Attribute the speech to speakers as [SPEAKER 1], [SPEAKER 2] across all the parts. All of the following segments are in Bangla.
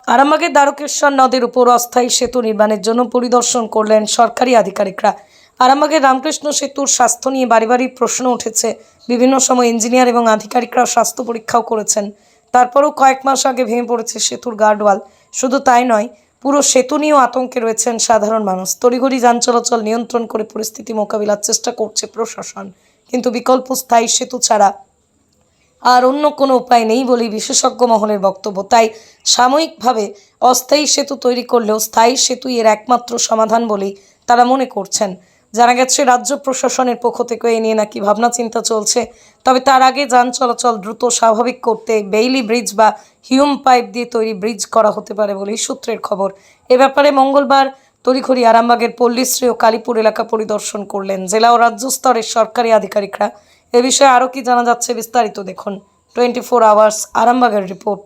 [SPEAKER 1] আরামবাগের দ্বারকেশ্বর নদের উপর অস্থায়ী সেতু নির্মাণের জন্য পরিদর্শন করলেন সরকারি আধিকারিকরা। আরামবাগের রামকৃষ্ণ সেতুর স্বাস্থ্য নিয়ে বাড়ি বাড়ি প্রশ্ন উঠেছে। বিভিন্ন সময় ইঞ্জিনিয়ার এবং আধিকারিকরা স্বাস্থ্য পরীক্ষাও করেছেন। তারপরও কয়েক মাস আগে ভেঙে পড়েছে সেতুর গার্ডওয়াল। শুধু তাই নয়, পুরো সেতু নিয়েও আতঙ্কে রয়েছেন সাধারণ মানুষ। তড়িঘড়ি যান চলাচল নিয়ন্ত্রণ করে পরিস্থিতি মোকাবিলার চেষ্টা করছে প্রশাসন, কিন্তু বিকল্প স্থায়ী সেতু ছাড়া আর অন্য কোনো উপায় নেই বলেই বিশেষজ্ঞ মহলের বক্তব্য। তাই সাময়িকভাবে অস্থায়ী সেতু তৈরি করলেও স্থায়ী সেতুই এর একমাত্র সমাধান বলেই তারা মনে করছেন। জানা গেছে রাজ্য প্রশাসনের পক্ষ থেকে এ নিয়ে নাকি ভাবনা চিন্তা চলছে। তবে তার আগে যান চলাচল দ্রুত স্বাভাবিক করতে বেইলি ব্রিজ বা হিউম পাইপ দিয়ে তৈরি ব্রিজ করা হতে পারে বলেই সূত্রের খবর। এ ব্যাপারে মঙ্গলবার তড়িঘড়ি আরামবাগের পল্লীশ্রী ও কালীপুর এলাকা পরিদর্শন করলেন জেলা ও রাজ্য স্তরের সরকারি আধিকারিকরা। এ বিষয়ে আরও কি জানা যাচ্ছে বিস্তারিত দেখুন 24 আওয়ার্স আরামবাগের রিপোর্ট।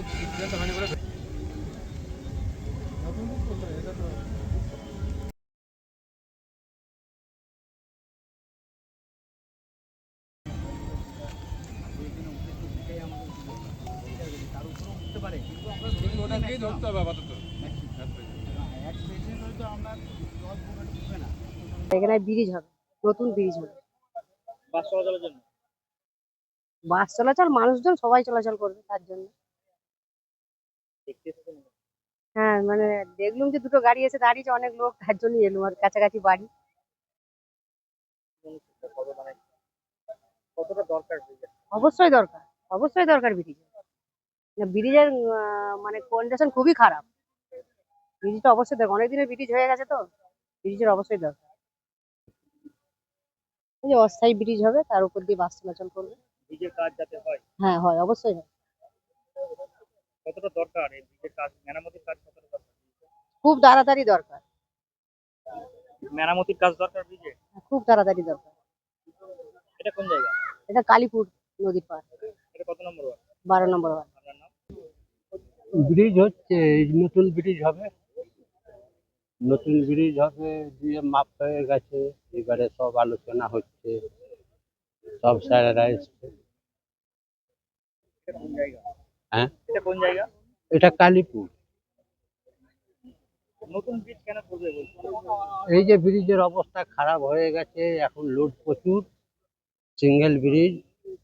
[SPEAKER 2] এখানে ব্রিজ হবে, নতুন ব্রিজ হবে।
[SPEAKER 3] বাস চলাচলের জন্য
[SPEAKER 2] বাস চলাচল, মানুষজন সবাই চলাচল করবে তার জন্য।
[SPEAKER 3] দেখতে এসেছেন?
[SPEAKER 2] হ্যাঁ, মানে দেখলাম যে দুটো গাড়ি এসে দাঁড়িয়েছে, অনেক লোক, তার জন্য এলাম। আর কাছাকাছি বাড়ি।
[SPEAKER 3] মানে কতটা দরকার ব্রিজের?
[SPEAKER 2] অবশ্যই দরকার, অবশ্যই দরকার ব্রিজ। ব্রিজের মানে কন্ডিশন খুবই খারাপ। ব্রিজটা অবশ্যই দরকার, অনেকদিনের ব্রিজ হয়ে গেছে তো ব্রিজের অবশ্যই দরকার। এই যে অস্থায়ী ব্রিজ হবে, তার উপর দিয়ে বাস চলাচল করবে।
[SPEAKER 3] ব্রিজের কাজ যাতে হয়।
[SPEAKER 2] হ্যাঁ হয়, অবশ্যই হয়।
[SPEAKER 3] কতটা দরকার এই ব্রিজের কাজ, মেরামতির কাজ কতটা দরকার?
[SPEAKER 2] খুব তাড়াতাড়ি দরকার,
[SPEAKER 3] মেরামতির কাজ দরকার ব্রিজে?
[SPEAKER 2] খুব তাড়াতাড়ি দরকার।
[SPEAKER 3] এটা কোন জায়গা?
[SPEAKER 2] এটা কালীপুর নদীর পাড়,
[SPEAKER 3] এটা কত নম্বর ওয়ার্ড?
[SPEAKER 2] 12 নম্বর ওয়ার্ড।
[SPEAKER 3] আপনার নাম?
[SPEAKER 4] ব্রিজ হচ্ছে, নতুন ব্রিজ হবে, নতুন ব্রিজ হবে দিয়ে মাপ হয়ে গেছে। এবারে সব আলোচনা হচ্ছে, সব স্যারেরা এসছে।
[SPEAKER 3] এটা কোন জায়গা?
[SPEAKER 4] হ্যাঁ,
[SPEAKER 3] এটা কোন জায়গা?
[SPEAKER 4] এটা কালীপুর।
[SPEAKER 3] নতুন ব্রিজ কেন করবে বলছে?
[SPEAKER 4] এই যে ব্রিজের অবস্থা খারাপ হয়ে গেছে, এখন লোড প্রচুর, সিঙ্গেল ব্রিজ,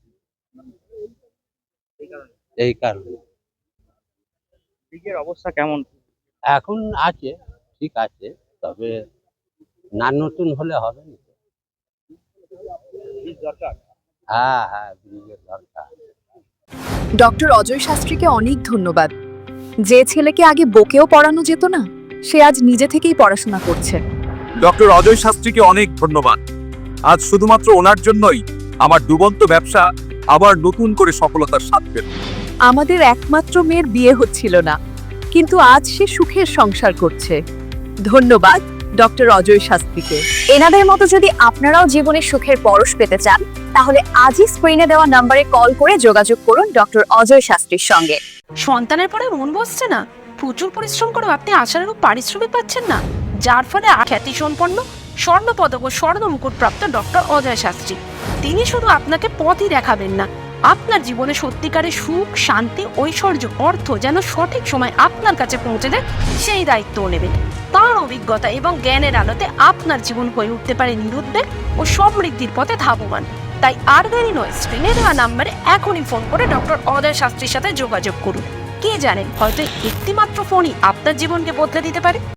[SPEAKER 3] এই কারণে
[SPEAKER 4] এই কারণে।
[SPEAKER 3] ব্রিজের অবস্থা কেমন?
[SPEAKER 4] এখন আছে, ঠিক আছে, তবে না নতুন হলে হবে না।
[SPEAKER 3] ব্রিজ দরকার।
[SPEAKER 4] হ্যাঁ হ্যাঁ, ব্রিজের দরকার।
[SPEAKER 5] ডক্টর অজয় শাস্ত্রীকে অনেক ধন্যবাদ। যে ছেলেকে আগে বকেও পড়ানো যেত না, সে আজ নিজে থেকেই পড়াশোনা করছে।
[SPEAKER 6] ডক্টর অজয় শাস্ত্রীকে অনেক ধন্যবাদ। আজ শুধুমাত্র ওনার জন্যই আমার ডুবন্ত ব্যবসা আবার নতুন করে সফলতার স্বাদ পেল।
[SPEAKER 5] আমাদের একমাত্র মেয়ের বিয়ে হচ্ছিল না, কিন্তু আজ সে সুখের সংসার করছে। ধন্যবাদ ডক্টর অজয় শাস্ত্রীকে। এনাদের মতো যদি আপনারাও জীবনে সুখের পরশ পেতে চান, তাহলে আজই স্ক্রিনে দেওয়া নম্বরে কল করে যোগাযোগ করুন ডক্টর অজয় শাস্ত্রীর সঙ্গে।
[SPEAKER 7] সন্তানের পরে মন বসছে না, প্রচুর পরিশ্রম করেও আপনি আশানুরূপ পারিশ্রমিক পাচ্ছেন না, যার ফলে খ্যাতি সম্পন্ন স্বর্ণপদক ও স্বর্ণ মুকুট প্রাপ্ত ডক্টর অজয় শাস্ত্রী তিনি শুধু আপনাকে পথই দেখাবেন না, আপনার জীবনে সত্যিকারের সুখ, শান্তি, ঐশ্বর্য, অর্থ যেন সঠিক সময় আপনার কাছে পৌঁছে দেয় সেই দায়িত্বও নেবেন। তার অভিজ্ঞতা এবং জ্ঞানের আলোতে আপনার জীবন হয়ে উঠতে পারে নিরুদ্বেগ ও সমৃদ্ধির পথে ধাবমান। তাই আর দেরি নয়, স্ক্রিনে দেওয়া নাম্বারে এখনই ফোন করে ডক্টর অজয় শাস্ত্রীর সাথে যোগাযোগ করুন। কে জানেন, হয়তো একটি মাত্র ফোনই আপনার জীবনকে বদলে দিতে পারে।